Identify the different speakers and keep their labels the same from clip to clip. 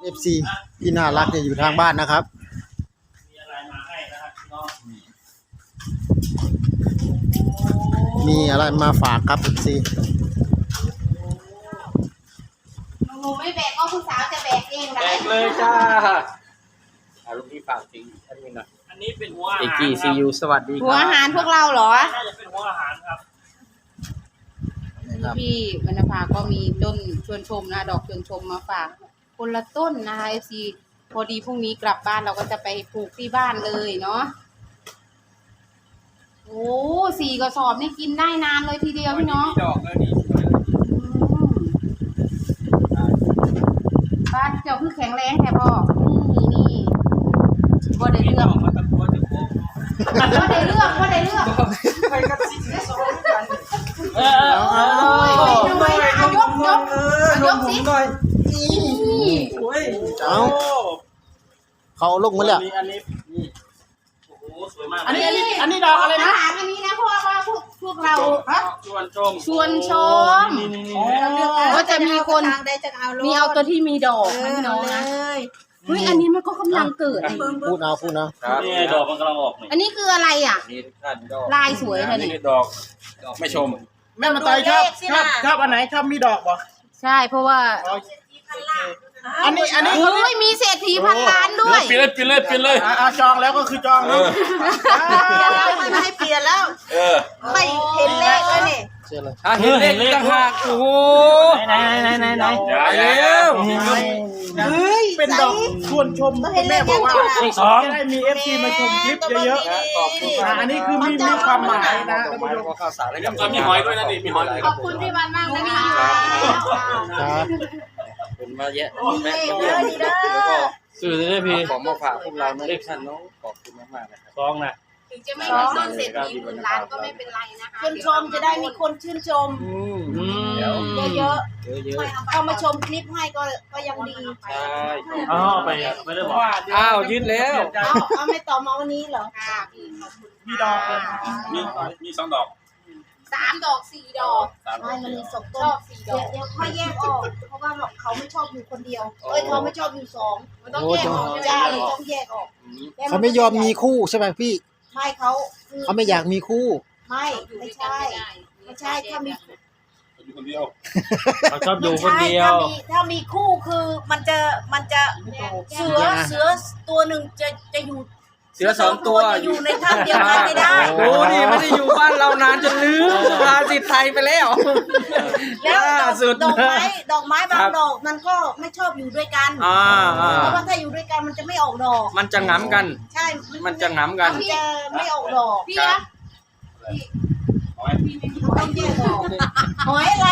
Speaker 1: FC ที่น่ารักเนี่ยอยู่ทางบ้านนะครับ
Speaker 2: มีอะไรมาให้นะครับน้อง
Speaker 1: มีอะไรมาฝากครับ FC
Speaker 3: หนูไม่แบกก็ผู้สาวจะแบกเอง
Speaker 4: แจ
Speaker 3: ได้
Speaker 4: กเลยจ้าลูกพี่ฝากจริงอันนี้นะ
Speaker 2: อันนี้เป็นหัวอา
Speaker 4: เอ
Speaker 2: หาร
Speaker 4: จีซียูสวัสดีค
Speaker 3: หัว
Speaker 4: รับ
Speaker 3: อาหารพวกเราเหรอ
Speaker 2: น่าจะเป็นหัวอาหารครับ
Speaker 3: พี่บรรณภาก็มีต้นชวนชมนะดอกชวนชมมาฝากคนละต้นนะคะ FC พอดีพรุ่งนี้กลับบ้านเราก็จะไปปลูกที่บ้านเลยเนาะโอ้4 กระสอบนี่กินได้นานเลยทีเดียวพี่น้อง
Speaker 4: ดอกแล้วนี่
Speaker 3: บ้านเจ้าคือแข็งแรงแท้พ่อนี่บ่ได้เลือก
Speaker 4: มาตะโกนจะโค้ง
Speaker 3: บ่ได้เลือกบ่ได้เลือก
Speaker 4: ไปกับซิกเนสโซ่กัน
Speaker 3: เอายกยกสิ
Speaker 4: หน่อย
Speaker 2: โอ้ย
Speaker 1: เอาเขาลงมาแล้ว
Speaker 2: อันนี้นี่โอ้โหสวยมาก
Speaker 5: อันนี้ดอกอะไรนะ
Speaker 3: ถามอันนี้นะเพราะว่าพวกเรา
Speaker 2: ชวนชม
Speaker 3: ชวนชม
Speaker 2: นี่
Speaker 3: ก็จะมีคน
Speaker 5: ได้จะเอา
Speaker 3: มีเอาตัวที่มีดอกนะพี่น้องนะเฮ้ยอันนี้มันก็กำลังเกิด
Speaker 1: พูดเอา
Speaker 4: ครับ
Speaker 2: นี่ไงดอกมันกำลังออกนี่
Speaker 3: อันนี้คืออะไรอ่ะ
Speaker 4: นี่ท่านดอก
Speaker 3: ลายสวยเลยนี่
Speaker 2: นี่ดอกไม่ชม
Speaker 5: แม่มาต่อยชอบอันไหนชอบมีดอกบ่
Speaker 3: ใช่เพราะว่า
Speaker 5: อันนี้
Speaker 3: โอ้ยมีเศรษฐีพันล้านด้วย
Speaker 2: ปิดเลย
Speaker 5: จองแล้วก็คือจองเนาะ
Speaker 6: ไม่ให้เปลี่ยนแล้ว
Speaker 2: เออ
Speaker 6: ไม่เห็นเลขแล้วนี่
Speaker 1: เชื่อเลย
Speaker 4: เห็นเลขต่างหากโอ้โห
Speaker 5: ไหน
Speaker 2: อย่า
Speaker 4: ไปแล้ว
Speaker 6: เฮ้ย
Speaker 5: เป็นดอกชวนชมแม่บอกว่า
Speaker 2: เลขสอง
Speaker 5: จะได้มี FC มาชมคลิปเยอะ
Speaker 4: ขอบคุณ
Speaker 5: ๆอันนี้คือมีความหมายนะ
Speaker 4: ดอกไม้แล้วก็ข้าวสารอะไรกัน
Speaker 2: ก็มีหอยด้วยนะนี่มีหอย
Speaker 3: ขอบคุณพี่วันมากนะคะ
Speaker 1: ครับ
Speaker 4: คุณมาเยอะ
Speaker 6: เล
Speaker 4: แม่
Speaker 6: ข
Speaker 4: มา
Speaker 6: เย
Speaker 4: เยี่ย
Speaker 6: อะ
Speaker 4: ม
Speaker 6: ดีเด้อ
Speaker 4: แล้วก็
Speaker 2: สื่อได้พี่
Speaker 4: ของมาฝากพวกเรานะท่านน้องขอบคุณมากๆนะครับ
Speaker 2: สองนะ
Speaker 3: ถึงจะไม่มีต้นเศรษฐีพันล้านก็ไม่เป็นไรนะคะ
Speaker 6: ชื่นชมจะได้มีคนชื่นชม
Speaker 4: เดี๋ยว
Speaker 6: เยอะ
Speaker 4: เยอะ
Speaker 6: ๆเข้ามาชมคลิปให้ก็ยังดี
Speaker 4: ๆใช่
Speaker 2: อ๋อไปไม่ได้บอก
Speaker 4: อ้าวยืดแล้ว
Speaker 6: เอาไม่ต่อมาวันนี้เหรอ
Speaker 3: ค่ะพี่ขอบคุณ
Speaker 5: มีดอกเลย
Speaker 2: มีสองดอก
Speaker 3: 3 ดอก 4 ดอก
Speaker 6: ไม่มันมีสอง
Speaker 3: ช
Speaker 6: ต้
Speaker 3: อน บ4 ดอก
Speaker 6: เดี๋ยวค่อยแยกออก เพราะว่าเขาไม่ชอบอยู่คนเดียว เขาไม่ชอบอยู่สอง
Speaker 3: มันต้องแยกออกใช่ไหม
Speaker 6: ใช่
Speaker 3: พี่
Speaker 6: ต้องแยกออก
Speaker 1: เขาไม่ยอมมีคู่ใช่ไหมพี่
Speaker 6: ไม่เขาคือ
Speaker 1: เขาไม่อยากมีคู่
Speaker 6: ไม่ใช่ไม่ใช่ถ้ามี
Speaker 2: อยู่คนเดียวเขาชอบอยู่คน
Speaker 6: ไม่
Speaker 2: เดี
Speaker 6: ใช่
Speaker 2: ยว
Speaker 6: ถ้ามีคู่คือมันจะเสือตัวหนึ่งจะอยู่
Speaker 4: เสือสองตัว
Speaker 6: จะอยู่ในถ้ำเดียวกันไม่ได้
Speaker 4: โอ้นี่ไม่ได้อยู่บ้านเรานานจนลืมภาษิตไทยไปแล้ว
Speaker 6: แล้ว
Speaker 4: ล่าสุด
Speaker 6: ดอกไม้บางดอกมันก็ไม่ชอบอยู่ด้วยกัน เพราะว่าถ้าอยู่ด้วยกันมันจะไม่ออกดอก
Speaker 4: มันจะง้ำกัน
Speaker 6: ใช่
Speaker 4: มันจะง้ำกัน
Speaker 6: มันจะไม่ออกดอก
Speaker 3: พี่นะ
Speaker 6: ต้องแยกออกหอยอะไร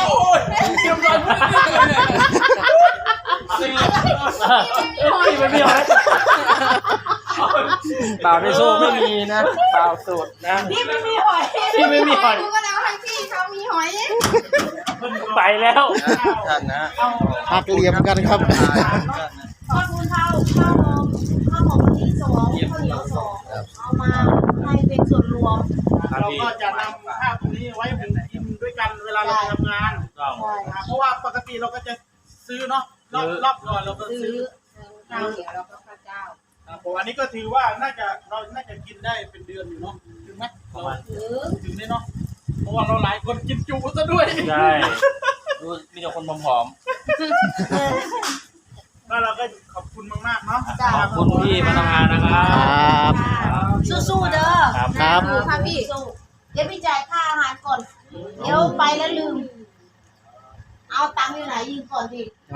Speaker 2: พี่ไม่มีหอย
Speaker 4: เปล่าในโซ่ไม่มีนะเปล่าสูตรนะ
Speaker 6: พี่ไม่มีหอย
Speaker 2: พี่ไม่มีหอย
Speaker 3: ดูก็แล้วให้พี่เขามีหอย
Speaker 2: ไปแล้ว
Speaker 4: ท่านนะ
Speaker 1: หักเหลี่ยมกันครับ
Speaker 6: ข้าวคุณข้าวหอมที่2ข้าวเหนียว2เอามาให้เป็นส่วนรวม
Speaker 5: เราก็จะนำข้าวตรงนี้ไว้เป็นกินด้วยกันเวลาเราไปทำงาน
Speaker 6: ใช่
Speaker 5: เพราะว่าปกติเราก็จะซื้อเนาะรอบก่อนเราก็
Speaker 6: ซื้
Speaker 5: ซื้
Speaker 6: อ
Speaker 5: อ
Speaker 3: ข้าวเหนียวแล้วก็ข้าวเจ้า
Speaker 5: ครับผมอันนี้ก็ถือว่าเราน่าจะกินได้เป็นเดือนอยู่เนาะถึงไหมถึงได้เนาะเพราะว่าเราหลายคนกินจุซะด้วย
Speaker 2: ใช่มีแต่คนผอม
Speaker 5: ก็เราก็ขอบคุณมากๆเนาะ
Speaker 2: ๆขอบคุณพี่พนักงานนะครับ
Speaker 1: ครับ
Speaker 6: สู้ๆเด้อ
Speaker 1: ครับ
Speaker 6: ค่ะพี่เดี๋ยวพี่จ่ายค่าอาหารก่อน เดี๋ยวไปแล้วลืม เอาตังค์อยู่ไหนยืมก่อนดิ
Speaker 1: เอา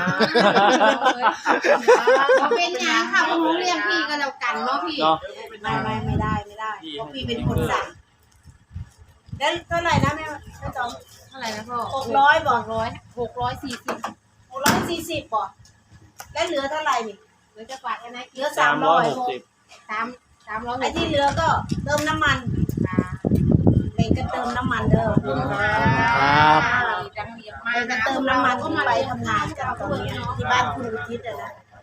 Speaker 3: เป็นอย่างค่ะพวกหนูเรียกพี่ก็แล้วกันเนาะพี่
Speaker 2: เนาะ
Speaker 6: ไม่ได้เพราะพี่เป็นคนสั่งแล้วเท่าไหร่นะแม่จอม
Speaker 3: เท่าไหร่นะพ่อ
Speaker 6: 600บอก
Speaker 3: 640
Speaker 6: 640บอกแล้วเหลือเท่าไหร่นี่
Speaker 3: เหลือจะฝากกันนะ
Speaker 6: เหลือ
Speaker 2: 360
Speaker 3: 300
Speaker 6: ไอ้ที่เหลือก็เติมน้ำมันเองก็เติมน้ำมันเด้อ
Speaker 1: ครับ
Speaker 3: จังเรียบ
Speaker 6: เอ
Speaker 3: มาก
Speaker 6: งก็
Speaker 3: นะ
Speaker 6: เติมน้ำมันที่ไปทำงานกันตอนนี้ที่บ้านคุณอุทิศอะนะ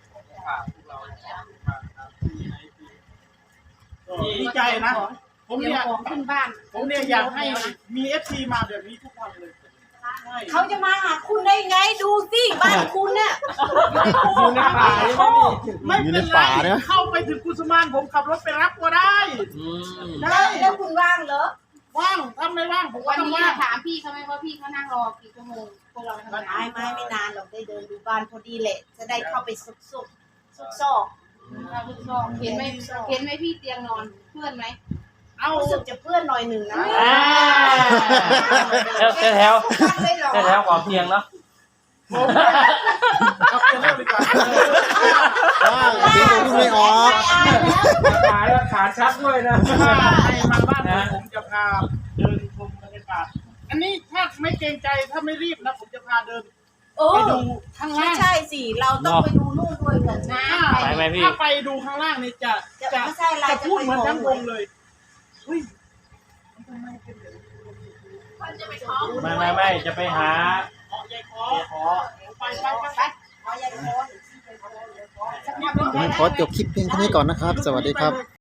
Speaker 5: ดีใจนะ ผม
Speaker 3: เดี๋ยว
Speaker 5: เนี่ย
Speaker 3: ของขึ้นบ้าน
Speaker 5: อยากให้มี FC มาแบบนี้ทุกวันเลย
Speaker 6: เขาจะมาหาคุณได้ไงดูสิบ้านคุณเนี่ย
Speaker 4: อยู่ในป่ายังไม่มี
Speaker 5: ไม่
Speaker 1: อยู่
Speaker 5: เป็
Speaker 1: ใน
Speaker 5: นไร
Speaker 1: ป่านะ
Speaker 5: เข้าไปถึงกุสมานผมขับรถไปรับก็ได้
Speaker 2: อืม
Speaker 6: แล้วคุณว่างเหรอ
Speaker 5: ว่างถ้าไม่ว่างผมก็
Speaker 3: วัน
Speaker 5: ต้อง
Speaker 3: นี้
Speaker 5: ว่าง
Speaker 3: ถามพี่เขาไหมว่าพี่เขานั่งรอกี่ชั่วโมงพวกเราทำงาน
Speaker 6: ไม่นานหรอกได้เดินดูบ้านพอดีแหละ จะได้เข้าไปซุกซอก
Speaker 3: เห็นไหมพี่เตียงนอนเพื่อนไหม
Speaker 5: เอา
Speaker 6: รู้สึกจะเปื้อนหน่อยหนึ่งนะ
Speaker 2: อ่าแถว
Speaker 6: ไม่หรอก
Speaker 2: แถวของเพียงเนาะ
Speaker 5: เอาไปเล่าดีกว่า
Speaker 1: ว้าวพี่ก็พูดไม่ออก
Speaker 4: ขายแล้วขาชัดด้วยนะ
Speaker 5: ให้มาบ้านผมจะพาเดินชมบรรยากาศอันนี้ถ้าไม่เกรงใจถ้าไม่รีบนะผมจะพาเดิน
Speaker 6: โอ้
Speaker 5: ไปดูข้าง
Speaker 6: ไม่
Speaker 5: ล่าง
Speaker 6: ใช่สิเราต้องไปดูนู่นด้วยกันนะ
Speaker 2: ไปไหมพี่
Speaker 5: ถ้าไปดูข้างล่างนี่จะ
Speaker 6: ไม่ใช่อะไร
Speaker 5: จะพูดเหมือนทั้งวงเลยเฮ้ย
Speaker 2: ไม่จะไปหา
Speaker 5: ขอใหญ่ขอไป
Speaker 6: ขอใหญ่โคน
Speaker 1: ขอจบคลิปเพียงเท่านี้ก่อนนะครับ สวัสดีครับ